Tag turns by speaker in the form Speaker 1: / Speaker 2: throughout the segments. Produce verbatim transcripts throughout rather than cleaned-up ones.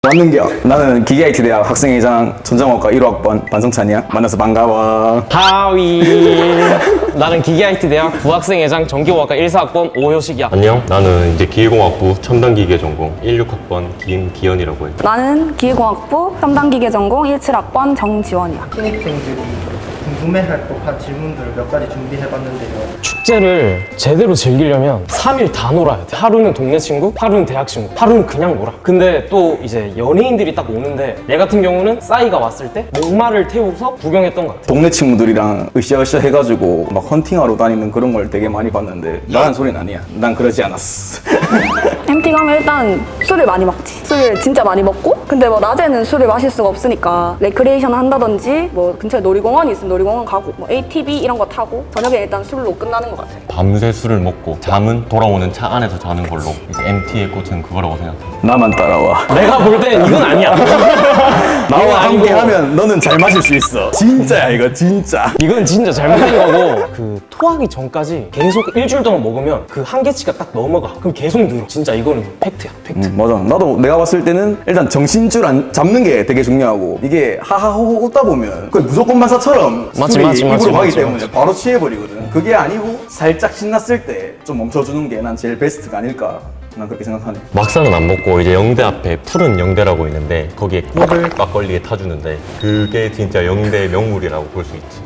Speaker 1: 왔는겨. 나는 기계아이티 대학 학생회장 전자공학과 일 호학번 반성찬이야. 만나서 반가워.
Speaker 2: 하위. 나는 기계아이티 대학 부학생회장 전기공학과 일 사학번 오효식이야.
Speaker 3: 안녕. 나는 이제 기계공학부 첨단기계 전공 십육 학번 김기현이라고 해.
Speaker 4: 나는 기계공학부 첨단기계 전공 십칠 학번 정지원이야.
Speaker 5: 신입생들이 궁금해할 법한 질문들을 몇 가지 준비해봤는데요.
Speaker 2: 축제를 제대로 즐기려면 삼 일 다 놀아야 돼. 하루는 동네 친구, 하루는 대학 친구, 하루는 그냥 놀아. 근데 또 이제 연예인들이 딱 오는데 얘 같은 경우는 싸이가 왔을 때 목마를 태우고서 구경했던 것 같아.
Speaker 1: 동네 친구들이랑 으쌰으쌰 해가지고 막 헌팅하러 다니는 그런 걸 되게 많이 봤는데 나는 소리는 아니야. 난 그러지 않았어.
Speaker 4: 엠티 가면 일단 술을 많이 먹지. 술을 진짜 많이 먹고, 근데 뭐 낮에는 술을 마실 수가 없으니까 레크리에이션 한다든지 뭐 근처에 놀이공원이 있으면 놀이공원 가고 뭐 에이티비 이런 거 타고 저녁에 일단 술로 끝나는 것 같아.
Speaker 3: 밤새 술을 먹고 잠은 돌아오는 차 안에서 자는 걸로 이제 엠티의 꽃은 그거라고 생각해.
Speaker 1: 나만 따라와.
Speaker 2: 내가 볼 땐 이건 아니야.
Speaker 1: 나와
Speaker 2: 이건 아니고.
Speaker 1: 함께 하면 너는 잘 마실 수 있어. 진짜야 이거 진짜.
Speaker 2: 이건 진짜 잘못된 거고, 그 토하기 전까지 계속 일주일 동안 먹으면 그 한계치가 딱 넘어가. 그럼 계속 늘어. 진짜 이거는 팩트야, 팩트.
Speaker 1: 음, 맞아. 나도 내가 봤을 때는 일단 정신줄 안 잡는 게 되게 중요하고, 이게 하하호호 웃다 보면 그 무조건 반사처럼
Speaker 2: 맞지,
Speaker 1: 술이
Speaker 2: 맞지,
Speaker 1: 입으로
Speaker 2: 맞지,
Speaker 1: 가기
Speaker 2: 맞지,
Speaker 1: 때문에
Speaker 2: 맞지.
Speaker 1: 바로 취해버리거든. 그게 아니고 살짝 신났을 때 좀 멈춰주는 게 난 제일 베스트가 아닐까. 난 그렇게 생각하네.
Speaker 3: 막상은 안 먹고 이제 영대 앞에 푸른 영대라고 있는데 거기에 꿀을 막걸리에 타주는데 그게 진짜 영대의 명물이라고 볼 수 있지.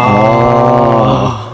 Speaker 2: 아.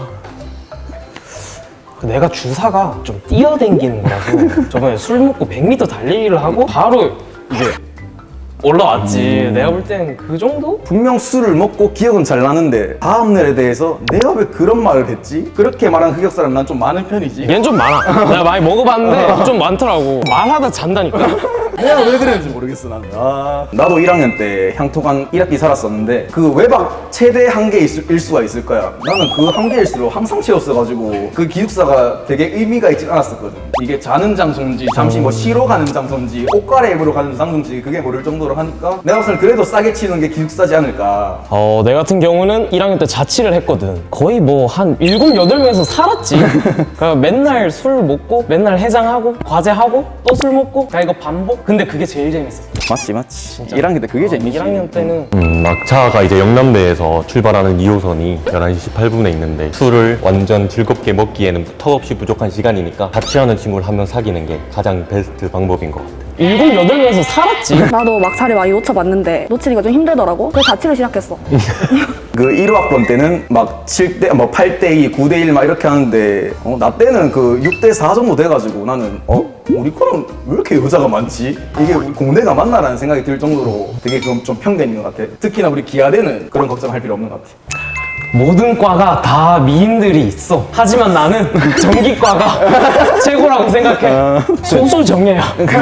Speaker 2: 내가 주사가 좀 뛰어댕기는 거라서 저번에 술 먹고 백 미터 달리기를 하고 바로 이제 올라왔지. 내가 볼 땐 그 정도?
Speaker 1: 분명 술을 먹고 기억은 잘 나는데 다음날에 대해서 내가 왜 그런 말을 했지? 그렇게 말하는 흑역사는 난 좀 많은 편이지.
Speaker 2: 얘는 좀 많아. 내가 많이 먹어봤는데 좀 많더라고. 말하다 잔다니까.
Speaker 1: 내가 왜 그랬는지 모르겠어 나는. 아, 나도 일 학년 때 향토관 일 학기 살았었는데 그 외박 최대 한계일 수- 일 수가 있을 거야. 나는 그 한계일수록 항상 채웠어가지고 그 기숙사가 되게 의미가 있지 않았었거든. 이게 자는 장소인지 잠시 뭐 쉬러 가는 장소인지 옷 갈아입으러 가는 장소인지 그게 모를 정도로 하니까 내가 봤을 때 그래도 싸게 치는 게 기숙사지 않을까.
Speaker 2: 어, 내 같은 경우는 일 학년 때 자취를 했거든. 거의 뭐 한 일곱, 여덟 명에서 살았지. 그러니까 맨날 술 먹고, 맨날 해장하고, 과제하고, 또 술 먹고, 그러니까 이거 반복? 근데 그게 제일 재밌었어.
Speaker 1: 맞지 맞지. 일 학년 때 그게 재밌지.
Speaker 2: 일 학년 때는
Speaker 3: 음, 막차가 이제 영남대에서 출발하는 이 호선이 열한 시 십팔 분에 있는데 술을 완전 즐겁게 먹기에는 턱없이 부족한 시간이니까 자취하는 친구를 한 명 사귀는 게 가장 베스트 방법인 것 같아.
Speaker 2: 일곱, 여덟 명에서 살았지.
Speaker 4: 나도 막차를 많이 놓쳐봤는데 놓치니까 좀 힘들더라고. 그래서 자취를 시작했어.
Speaker 1: 그 일 호학번 때는 막 칠 대, 뭐 팔 대 이, 구 대 일 막 이렇게 하는데 어, 나 때는 그 육 대 사 정도 돼가지고 나는 어? 우리 거는 왜 이렇게 여자가 많지? 이게 우리 공대가 맞나라는 생각이 들 정도로 되게 좀, 좀 편견인 것 같아. 특히나 우리 기아대는 그런 걱정할 필요 없는 것 같아.
Speaker 2: 모든 과가 다 미인들이 있어. 하지만 나는 전기과가 최고라고 생각해. 소설 정예야.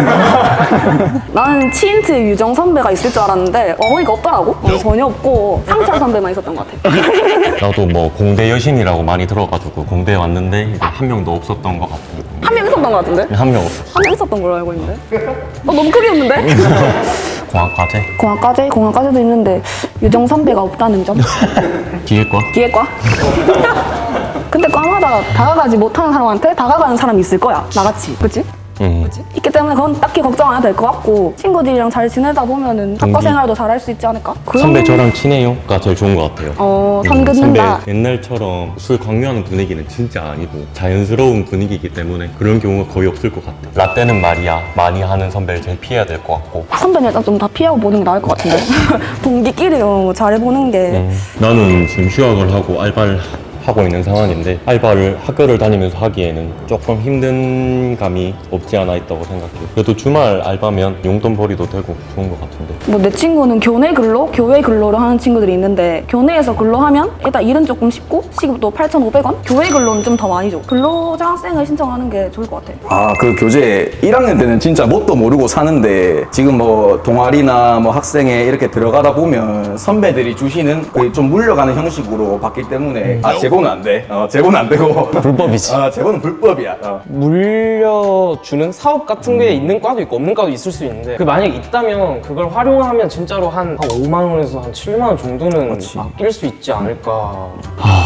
Speaker 4: 나는 치인트 유정 선배가 있을 줄 알았는데 어머니가 없더라고. 어, 전혀 없고 상철 선배만 있었던 것 같아.
Speaker 3: 나도 뭐 공대 여신이라고 많이 들어가지고 공대에 왔는데 이제 한 명도 없었던 것 같고.
Speaker 4: 한 명 있었던 것 같은데?
Speaker 3: 한 명 없었어.
Speaker 4: 한 명 있었던 걸로 알고 있는데? 어, 너무 크게 웃는데?
Speaker 3: 공학과제?
Speaker 4: 공학과제? 공학과제도 있는데 유정 선배가 없다는 점?
Speaker 3: 기계과?
Speaker 4: 기계과? 근데 과마다 다가가지 못하는 사람한테 다가가는 사람이 있을 거야. 나같이. 그치?
Speaker 3: 음.
Speaker 4: 있기 때문에 그건 딱히 걱정 안 해도 될 것 같고 친구들이랑 잘 지내다 보면은 학과
Speaker 3: 동기.
Speaker 4: 생활도 잘 할 수 있지 않을까?
Speaker 3: 선배
Speaker 4: 그러면-
Speaker 3: 저랑 친해요가 제일 좋은 것 같아요.
Speaker 4: 어, 선
Speaker 3: 음,
Speaker 4: 긋는다.
Speaker 3: 선배 옛날처럼 술 강요하는 분위기는 진짜 아니고 자연스러운 분위기이기 때문에 그런 경우가 거의 없을 것 같아요. 라떼는 말이야 많이 하는 선배를 제일 피해야 될 것 같고.
Speaker 4: 선배는 일단 좀 다 피하고 보는 게 나을 것 같은데. 동기끼리 어, 잘해보는 게.
Speaker 3: 음, 나는 지금 휴학을 하고 알바를 하고 있는 상황인데 알바를 학교를 다니면서 하기에는 조금 힘든 감이 없지 않아 있다고 생각해요. 그래도 주말 알바면 용돈벌이도 되고 좋은 것 같은데.
Speaker 4: 뭐 내 친구는 교내 근로, 교외 근로를 하는 친구들이 있는데 교내에서 근로하면 일단 일은 조금 쉽고 시급도 팔천오백 원? 교외 근로는 좀 더 많이 줘. 근로장학생을 신청하는 게 좋을 것 같아.
Speaker 1: 아, 그 교재 일 학년 때는 진짜 뭣도 모르고 사는데 지금 뭐 동아리나 뭐 학생회 이렇게 들어가다 보면 선배들이 주시는 그 좀 물려가는 형식으로 바뀌기 때문에 아, 재고는 안 돼. 어, 재고는 안 되고.
Speaker 2: 불법이지.
Speaker 1: 아, 재고는 불법이야. 어.
Speaker 2: 물려주는 사업 같은 게 있는 과도 있고 없는 과도 있을 수 있는데 그 만약에 있다면 그걸 활용하면 진짜로 한, 한 오만 원에서 한 칠만 원 정도는
Speaker 1: 그렇지.
Speaker 2: 아낄 수 있지 않을까.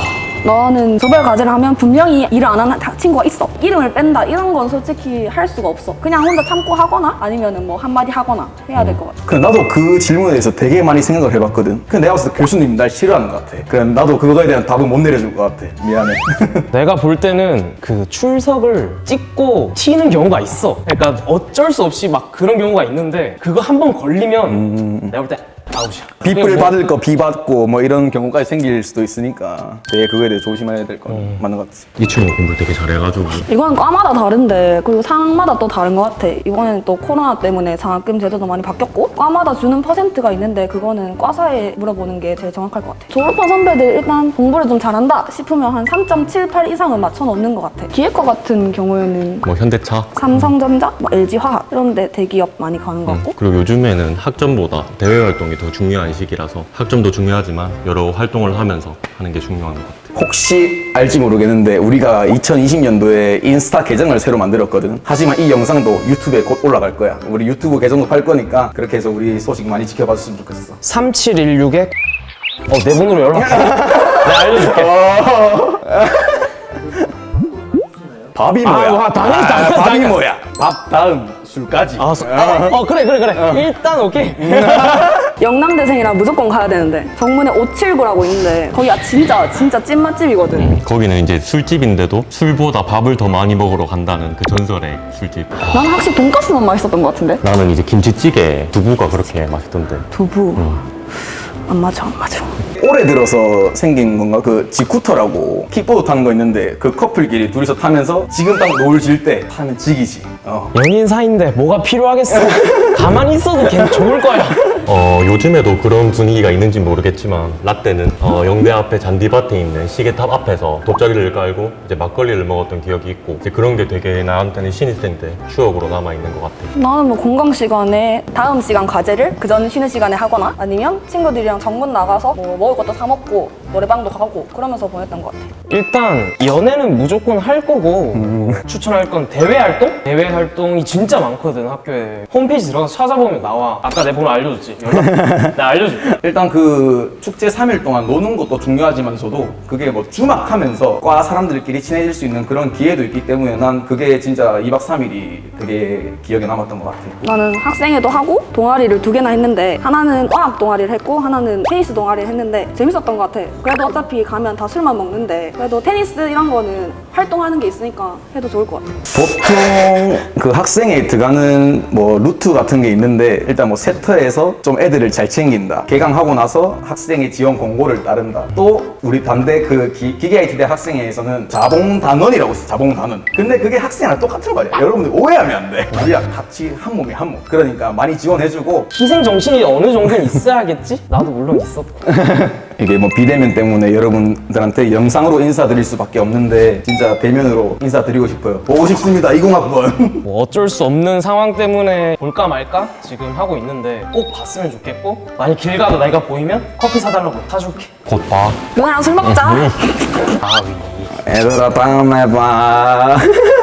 Speaker 4: 너는 조별 과제를 하면 분명히 일을 안 하는 다- 친구가 있어. 이름을 뺀다 이런 건 솔직히 할 수가 없어. 그냥 혼자 참고 하거나 아니면은 뭐 한마디 하거나 해야 될 것 같아.
Speaker 1: 근데 나도 그 질문에 대해서 되게 많이 생각을 해봤거든. 근데 내가 봤을 때 교수님 날 싫어하는 것 같아. 그냥 나도 그거에 대한 답은 못 내려줄 것 같아. 미안해.
Speaker 2: 내가 볼 때는 그 출석을 찍고 튀는 경우가 있어. 그러니까 어쩔 수 없이 막 그런 경우가 있는데 그거 한 번 걸리면 내가 볼 때 아웃이야.
Speaker 1: 빗불
Speaker 2: 뭐-
Speaker 1: 받을 거 비 받고 뭐 이런 경우까지 생길 수도 있으니까 되게 그거에 대해 조심해야 될 건
Speaker 2: 음.
Speaker 1: 맞는 것 같아.
Speaker 3: 이 친구 공부 되게 잘해가지고
Speaker 4: 이거는 과마다 다른데 그리고 상황마다 또 다른 것 같아. 이번에는 또 코로나 때문에 장학금 제도도 많이 바뀌었고 과마다 주는 퍼센트가 있는데 그거는 과사에 물어보는 게 제일 정확할 것 같아. 졸업한 선배들 일단 공부를 좀 잘한다 싶으면 한 삼 점 칠팔 이상은 맞춰 놓는 것 같아. 기획과 같은 경우에는
Speaker 3: 뭐 현대차
Speaker 4: 삼성전자, 뭐 엘지화학 이런 데 대기업 많이 가는 것 같고
Speaker 3: 그리고 요즘에는 학점보다 대외 활동이 더 중요한 시기라서 학점도 중요하지만 여러 활동을 하면서 하는 게 중요한 것 같아요.
Speaker 1: 혹시 알지 모르겠는데 우리가 이천이십 년도에 인스타 계정을 새로 만들었거든. 하지만 이 영상도 유튜브에 곧 올라갈 거야. 우리 유튜브 계정도 팔 거니까 그렇게 해서 우리 소식 많이 지켜봐 줬으면 좋겠어.
Speaker 2: 삼칠일육에 어, 내 번호로 연락해. 내가 알려줄게.
Speaker 1: 밥이
Speaker 2: 아,
Speaker 1: 뭐야?
Speaker 2: 와, 당연히, 당연히,
Speaker 1: 밥이
Speaker 2: 당연히.
Speaker 1: 뭐야? 밥 다음 술까지.
Speaker 2: 아, 소- 아, 어, 그래, 그래, 그래. 일단 오케이.
Speaker 4: 영남대생이라 무조건 가야 되는데 정문에 오칠구라고 있는데 거기가 진짜 진짜 찐맛집이거든.
Speaker 3: 거기는 이제 술집인데도 술보다 밥을 더 많이 먹으러 간다는 그 전설의 술집.
Speaker 4: 나는 확실히 돈가스만 맛있었던 것 같은데.
Speaker 3: 나는 이제 김치찌개 두부가 그렇게 맛있던데.
Speaker 4: 두부 안 맞아 안 맞아.
Speaker 1: 올해 들어서 생긴 건가? 그 지쿠터라고 킥보드 타는 거 있는데 그 커플끼리 둘이서 타면서 지금 딱 노을 질 때 타면 지기지. 어.
Speaker 2: 연인 사이인데 뭐가 필요하겠어. 가만히 있어도 걔 좋을 거야.
Speaker 3: 어, 요즘에도 그런 분위기가 있는지 모르겠지만 라떼는 어, 영대 앞에 잔디밭에 있는 시계탑 앞에서 돗자리를 깔고 이제 막걸리를 먹었던 기억이 있고 이제 그런 게 되게 나한테는 신입생 때 추억으로 남아있는 것 같아.
Speaker 4: 나는 뭐 공강 시간에 다음 시간 과제를 그 전 쉬는 시간에 하거나 아니면 친구들이랑 정문 나가서 뭐 먹을 것도 사 먹고 노래방도 가고 그러면서 보냈던 것 같아.
Speaker 2: 일단 연애는 무조건 할 거고 추천할 건 대외 활동? 대외 활동이 진짜 많거든 학교에. 홈페이지 들어가서 찾아보면 나와. 아까 내 번호 알려줬지? 연락 내가 알려줄게.
Speaker 1: 일단 그 축제 삼 일 동안 노는 것도 중요하지만서도 그게 뭐 주막하면서 과 사람들끼리 친해질 수 있는 그런 기회도 있기 때문에 난 그게 진짜 이박 삼일이 되게 기억에 남았던 것 같아.
Speaker 4: 나는 학생회도 하고 동아리를 두 개나 했는데 하나는 어학 동아리를 했고 하나는 테니스 동아리를 했는데 재밌었던 것 같아. 그래도 어차피 가면 다 술만 먹는데 그래도 테니스 이런 거는 활동하는 게 있으니까 해도 좋을 것 같아.
Speaker 1: 보통 그 학생회 들어가는 뭐 루트 같은 게 있는데 일단 뭐 세터에서 좀 애들을 잘 챙긴다. 개강하고 나서 학생회 지원 공고를 따른다. 또 우리 반대 그 기, 기계 아이티 대 학생회에서는 자봉단원이라고 있어. 자봉단원. 근데 그게 학생이랑 똑같은 거야. 여러분들 오해하면 안 돼. 우리랑 같이 한 몸이 한 몸. 그러니까 많이 지원해주고
Speaker 2: 희생 정신이 어느 정도는 있어야겠지? 나도 물론 있었고.
Speaker 1: 이게 뭐 비대면 때문에 여러분들한테 영상으로 인사드릴 수밖에 없는데 진짜 대면으로 인사드리고 싶어요. 보고 싶습니다. 이공학번.
Speaker 2: 뭐 어쩔 수 없는 상황 때문에 볼까 말까 지금 하고 있는데 꼭 봤으면 좋겠고 만약 길 가도 내가 보이면 커피 사달라고 사줄게.
Speaker 3: 곧 봐.
Speaker 4: 누나랑 술 먹자.
Speaker 2: 아, 위.
Speaker 1: 얘들아 다음에 봐.